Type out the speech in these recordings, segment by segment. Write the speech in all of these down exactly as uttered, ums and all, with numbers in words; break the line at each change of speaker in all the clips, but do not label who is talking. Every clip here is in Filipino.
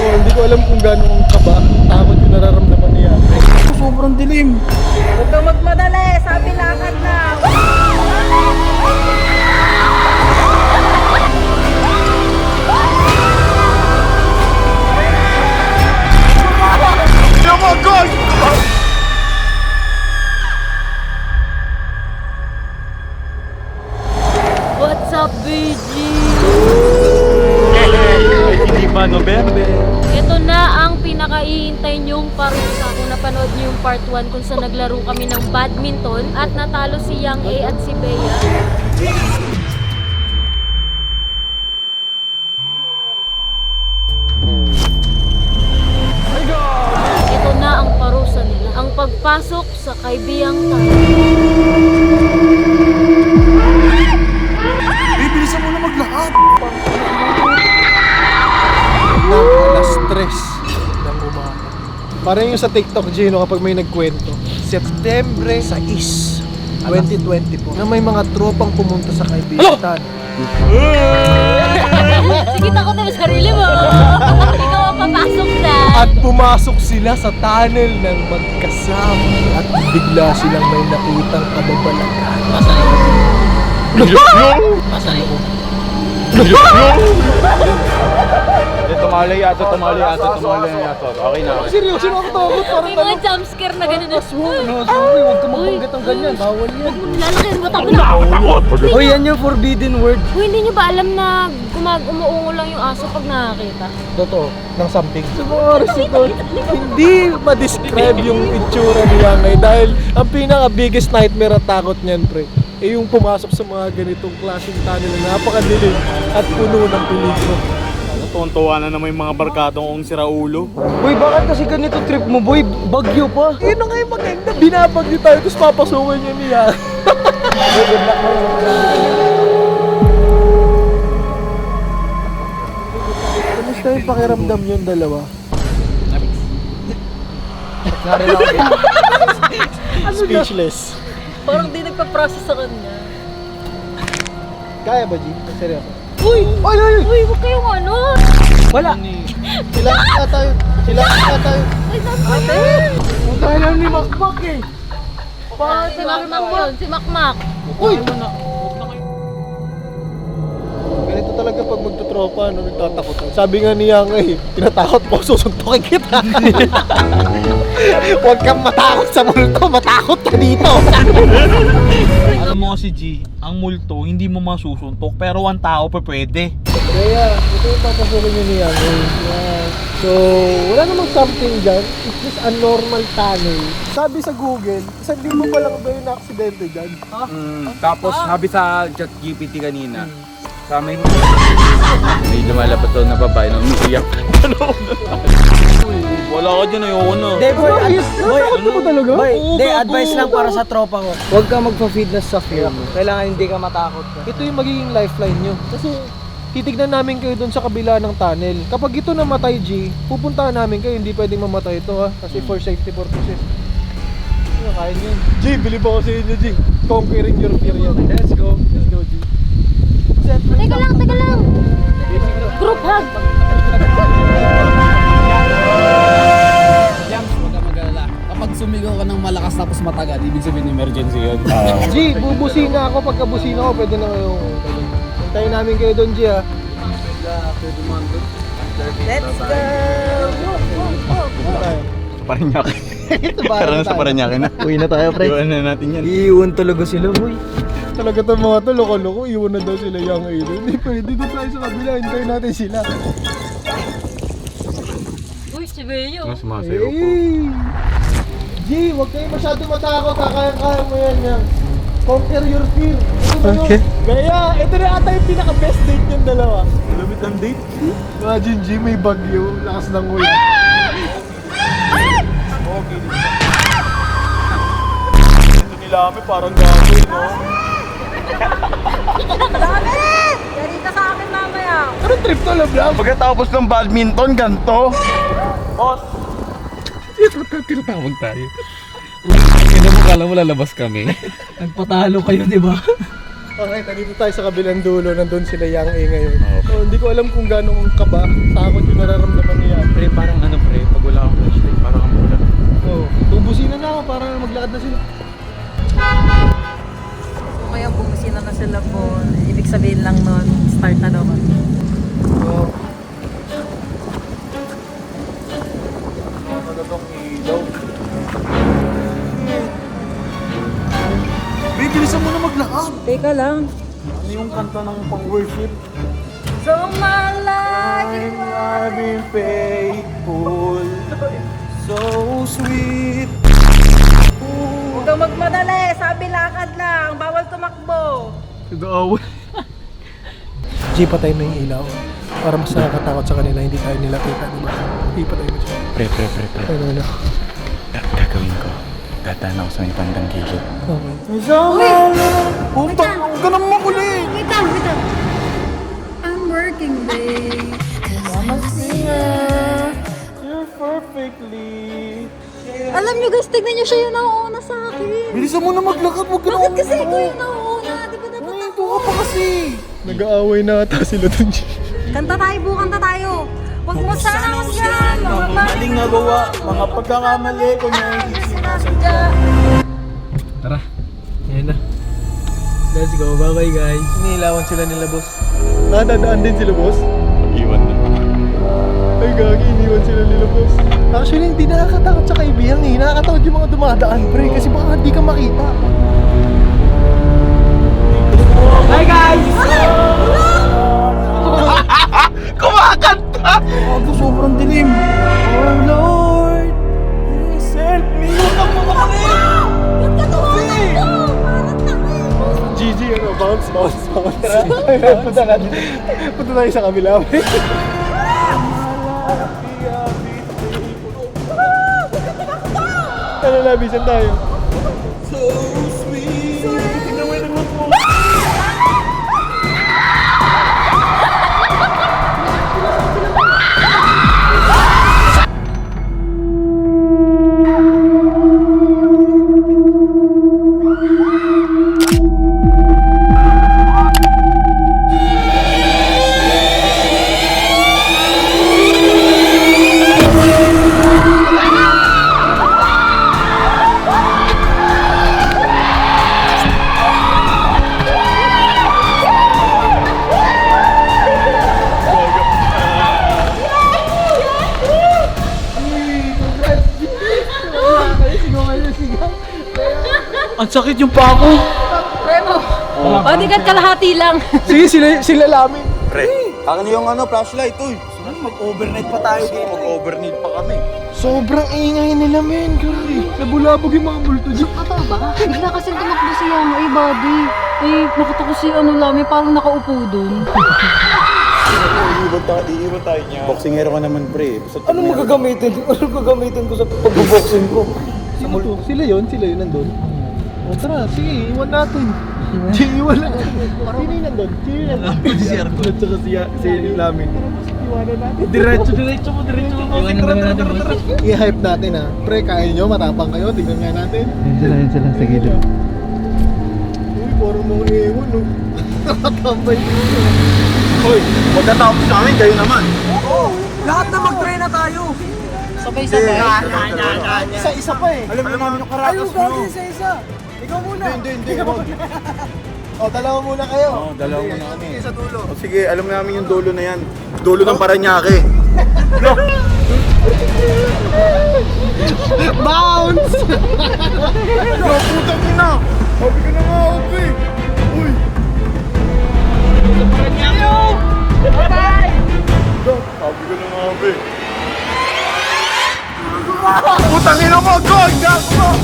Oh, hindi ko alam kung gaano ang kaba, takot yung nararamdaman niya. Sobrang dilim.
Huwag kang magmadali, sabi lakad na.
Oh my God!
What's up, B G?
Hindi ba November?
Ito na ang pinaka-iintay niyong parusa. Kung napanood niyo yung part one kung saan naglaro kami ng badminton at natalo si Yang A at si Bea. Ito na ang parusa nila. Ang pagpasok sa Kaibiyang Tayo.
Bibilisan mo na maglahat! Ng alas tres ng umaga. Parang yung sa TikTok, Gino, kapag may nagkwento. September sais, twenty twenty-four, na may mga tropang pumunta sa Kaibigan.
Sige, takot na sa sarili mo. Ikaw ang papasok na.
At pumasok sila sa tunnel ng magkasama. At bigla silang may nakitang kababalagan.
Tumali ato, tumali ato, tumali ato. Okay na.
Seryoso na ako takot. Parang
May mga jumpscare na gano'n.
Aswang, no, sorry, huwag ka magbanggit ang ganyan. Bawal yan.
Lalakayin mo, takbo na.
Oh, yan yung forbidden word.
Uy, hindi niyo ba alam na gumag umuungo lang yung aso pag nakakita?
Totoo, ng something. Sa mga oras ito, hindi ma-describe yung itsura niya ngayon dahil ang pinaka-biggest nightmare at takot niyan, pre, eh yung pumasok sa mga ganitong klaseng tunnel na napakadilim at puno ng peligro.
Tuwan-tuwa na naman yung mga barkadong ong siraulo.
Boy, bakit kasi ganito trip mo, boy? Bagyo pa. Yun na nga yung maganda. Binabagyo tayo, tapos papasukin niya niya. Good luck mo. Kamusta yung pakiramdam yung dalawa? Speechless.
Parang di nagpa-process sa kanya.
Kaya ba, G? Seryoso?
Uy!
Ay, ay, ay!
Uy, huwag kayong ano!
Wala! Sila ka tayo! Sila ka tayo!
Ay, saan ba yun?
Ang kailan ni Makmak eh!
Ah, si Makmak yun, si Makmak.
Uy! Ganito talaga pag magtutropa, no, nagtatakot. Sabi nga niya nga eh, tinatakot mo, susuntukin kita. Huwag kang matakot sa multo, matakot ka dito.
Alam mo kasi G, ang multo hindi mo masusuntok pero one tao pa pwede.
Kaya, ito yung papasukin niya niya. Yeah. So, wala namang something dyan. It's just a normal tunnel. Sabi sa Google, isang libo pa lang daw yung na-aksidente dyan.
Mm, tapos sabi sa ChatGPT kanina, sa may may lumalapit daw na babae na umiiyak.
Wala ka dyan, ayoko na.
Hindi, boy, ad- boy,
Takot mo talaga?
boy,
Oo,
hindi,
gago.
advice lang para sa tropa ko. Huwag ka magpa-feed na sa fear mo. Kailangan hindi ka matakot ka.
Ito yung magiging lifeline nyo. Kasi titignan namin kayo dun sa kabila ng tunnel. Kapag ito namatay, G, pupuntahan namin kayo. Hindi pwedeng mamatay ito, ha? Kasi for safety purposes. Ano, kaya nyo. G, bilib ako sa inyo, G. Conquering your fear yan. Let's go. Let's go, G.
Teka lang, teka lang. Group hug.
Jams, huwag ka mag-alala. Kapag sumigaw ka ng malakas tapos matagal, ibig sabihin emergency yun.
G, bubusina ako. Pagka busina ako, pwede na kayo. Hintayin namin kayo doon, G, ha?
Let's go!
Dito tayo.
Paranaque.
Ito ba?
Tara na sa Paranaque na.
Uwi na tayo, pre.
Iwan na natin yan.
Iiwan talaga sila, boy.
Talaga itong mga to, loko-loko. Iwan na daw sila yung ilo. Hindi pwede. Dito tayo sa kabila. Hintayin natin sila.
Uy, si Bea.
Mas sumasayaw po.
Hey! G, huwag kayo masyado matakot. Kaya-kaya mo yan, yan. Conquer your fear. Ito na okay. Kaya, ito na ata yung pinaka-best date yung dalawa.
Lamit ang date.
Imagine, G, may bagyo. Lakas ng ulan.
Ito nila kami parang gagawin, no?
Dami! Yari ka sa akin mamaya.
Anong trip to, love love?
Pagkatapos ng badminton, ganto. Boss!
Tinatawag tayo. Kaya mo kala mo lalabas kami.
Nagpatalo kayo, di ba?
Okay, nandito tayo sa kabilang dulo. Nandun sila Yang A ngayon. So, hindi ko alam kung gano'ng kaba, takot yung nararamdaman niya. Pre,
Start na daw kami.
So, ano tong ilaw? Babe, bilisan mo na maglakad.
Teka lang.
Ano yung kanta ng pang-worship?
So my life.
I've been faithful, so sweet.
Huwag kang magmadali. Sabi lakad lang. Bawal tumakbo.
Nag-aaway. G, patay mo yung ilaw. Para mas nakakatakot sa kanila, hindi tayo nila kita, di ba? G, patay mo siya.
Pre, pre, pre, pre.
Ano, ano?
Ga- gagawin ko. Dadaan ako sa may bandang gilid.
Okay. Isama lang! Puntang! Huwag ka naman makulit!
Wait lang, wait lang. I'm working, babe.
You're perfectly...
Alam nyo guys, tignan nyo siya yung nauuna sa akin.
Bilisan mo na maglakad, huwag ka na
Bakit kasi ikaw yung nauuna? Di ba dapat
Ito ka pa kasi! Nag-aaway na ata sila dun, G.
Kanta tayo, bu, kanta tayo. Huwag mo sana yan. Mga
Maling nagawa, mga pagkakamali ko niya hindi sinasadya.
Tara. Yan na. Let's go. Bye-bye guys.
Iniilawan sila nila, boss. Ah, dadaan din sila, boss?
Iwan na.
Ay, gagi, iniwan sila nila, boss. Actually, hindi nakakatakot sa kaibigan eh. Nakakatakot yung mga dumadaan, pre. Kasi baka hindi ka makita.
Bye guys!
Kumakanta! Ako, sobrang dilim. Oh Lord, please help me. Huwag mo makalit!
G G, ano, bounce, bounce, bounce. Punta natin. Punta tayo sa kabila, pre. Ano na, bisan tayo?
So sweet. Tingnan mo yung naman po. Ang sakit yung pa ako.
Remo, bodyguard kalahati lang.
Sige, sila, sila lamin.
Akin yung ano, flashlight, uy. Mag-overnight pa tayo dito. Mag-overnight pa kami.
Sobrang ingay nila, men. Grabe. Nabulabog yung mga multo dyan.
Ata ba? Bigla kasi tumakbo si Yang, eh, buddy. Eh, nakita ko si ano lang, eh, parang nakaupo dun.
Iiwan tayo, iiwan tayo niya. Boxingero ka naman, pre.
Anong magagamitin? Anong gagamitin ko sa pagboboxing ko?
Sino to? Sila yun? Sila yun nandun? O tara, sige, iwan natin. Sige, iwan lang. Sino yun nandun? Sino yun nandun? Si Arco. At saka si, si Lamin. Iwanan natin. Diretso, diretso mo, diretso mo.
Iwanan naman natin, boss.
I-hype natin ha. Pre, kaya nyo, matapang kayo. Tignan nga natin.
Yan sila, yan sila. Sige dito.
Uy, parang mga ewan, no? Nakatambay dito.
Hoy, magkatapos sa amin, kayo naman.
Lahat na mag-try na tayo.
Sabay-sabay.
Isa-isa pa eh.
Alam mo naman yung karatas nyo.
isa-isa. Ikaw muna.
Hindi, hindi, hindi. O, dalawa muna kayo.
Oo, dalawa muna kami.
Sa dulo.
O sige, alam namin yung dulo na yan. Dulo ng Paranaque.
Bounce!
Yo, putang ina! Sabi ko na nga ako, pre. Uy! Sabi ko na nga, pre. Putang ina mo! God! God! God!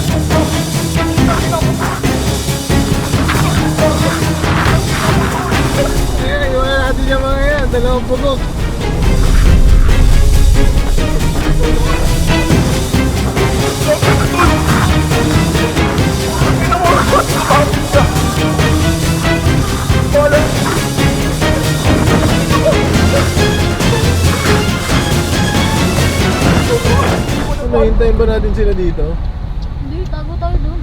Ayan, iwan natin yung mga yan. Dalawang pugok. Ano, hintayin ba natin sila dito?
Hindi, tago tayo doon.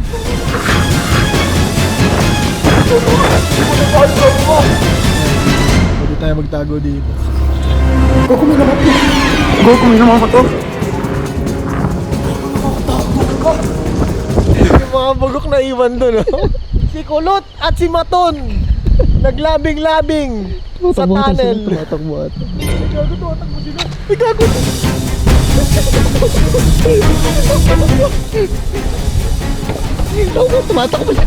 Pwede tayo magtago dito.
Go, kumain naman ko to.
Yung mga bugok na iwan doon, no? Si Kulot at si Maton. Naglabing-labing. Sa tunnel. Tumatakbo ata. Gago, tumatakbo sila. Ay, gago. Gago, tumatakbo sila.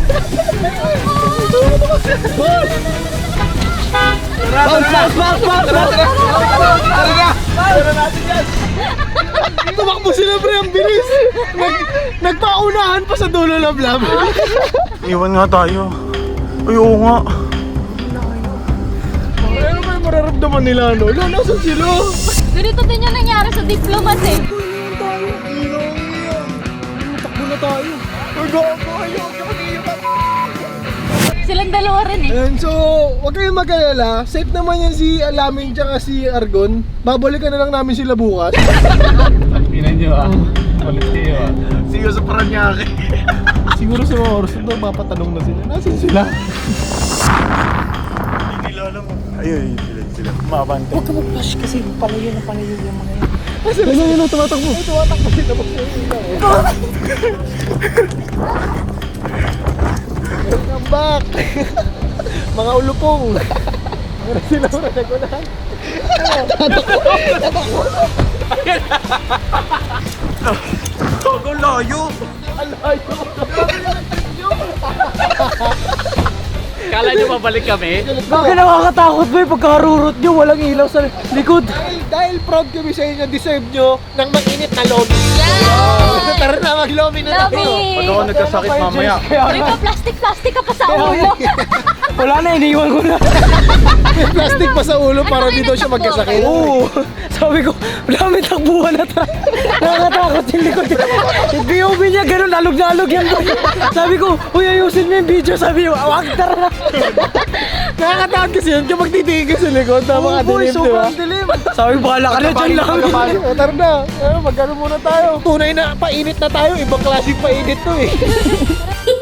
Bounce, bounce, bounce, bounce, bounce!
Tumakbo sila, pre, ang bilis. Nag, nagpaunahan pa sa dulo ng lab.
Iwan nga tayo. Ay, oo nga.
Ano ba yung mararamdaman nila, no? Lo, nasan sila?
Ganito din yung nangyari sa diplomat eh.
Takbo na tayo. Ay, gago, ayoko.
Silang dalawa rin eh.
And so, huwag kayong mag-alala. Safe naman yan si Alaming tsaka si Argon. Babalikan na lang namin sila bukas.
Pinan nyo ah. Ulit kayo ah.
Sigo sa Paranaque.
Siguro sa mga oras na mapatanong na sila. Nasaan sila?
Hindi nila alam. Ayun, sila, sila. Mabante.
Huwag ka mag-flash kasi palayo na palayo yung mga yan.
Nasaan sila? Ayun, tumatakbo. Ay, tumatakbo sila. Welcome back! Mga ulupong! Mura sila, mura na ko na.
Gago, layo.
Kala nyo mabalik kami?
Bakit nakakatakot ba yung pagkarurot nyo? Walang ilaw sa likod.
Dahil, dahil proud kami sa inyo, deserve nyo ng mainit na lobby. Yeah! Tara na, mag-lobby na tayo.
Lobby!
Pag ako nagkasakit mamaya.
Uy, pa plastic-plastic ka pa sa ulo.
Wala na, iniwan ko na.
May plastic pa sa ulo para di daw siya magkasakit.
Oo. Sabi ko, dami takbuhan na tayo. Nakakatakot yung likod. Yung P O V niya, ganun, alog na alog yan. Sabi ko, uy, ayusin mo yung video. Sabi ko, awag, tara na.
Nakakatakot kasi yun kapag titigil ka sa likod. Tama ka
boy,
dilim, di ba?
sobrang dilim. Sabi ko, bahala ka na dyan lang.
O, tara na. Eh, magkano muna tayo. Tunay na painit na tayo. Ibang klaseng painit to eh.